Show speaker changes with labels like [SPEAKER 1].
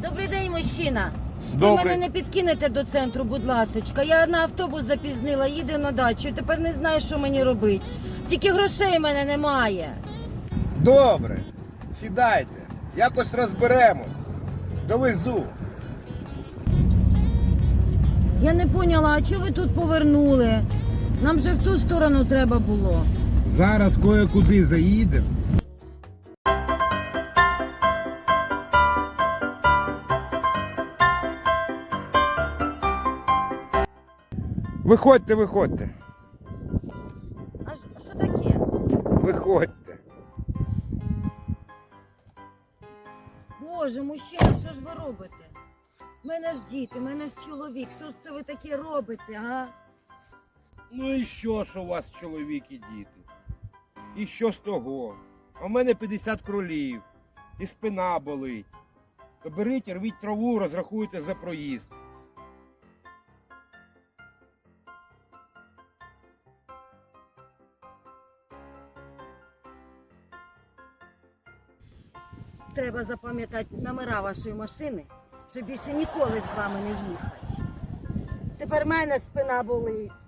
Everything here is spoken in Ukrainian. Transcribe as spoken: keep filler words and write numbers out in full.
[SPEAKER 1] Добрий день, мужчина. Ви
[SPEAKER 2] Добрий.
[SPEAKER 1] мене не підкинете до центру, будь ласочка. Я на автобус запізнила, їду на дачу і тепер не знаю, що мені робити. Тільки грошей в мене немає.
[SPEAKER 2] Добре, сідайте, якось розберемось. Довезу.
[SPEAKER 1] Я не поняла, а чого ви тут повернули? Нам же в ту сторону треба було.
[SPEAKER 2] Зараз кое-куди заїдемо. Виходьте, виходьте.
[SPEAKER 1] А ж- що таке?
[SPEAKER 2] Виходьте.
[SPEAKER 1] Боже, мужчина, що ж ви робите? У мене ж діти, у мене ж чоловік. Що ж це ви таке робите, а?
[SPEAKER 2] Ну і що ж у вас чоловік і діти? І що з того? А в мене п'ятдесят кролів, і спина болить. То беріть, рвіть траву, розрахуйте за проїзд.
[SPEAKER 1] Треба запам'ятати номера вашої машини, щоб більше ніколи з вами не їхати. Тепер в мене спина болить.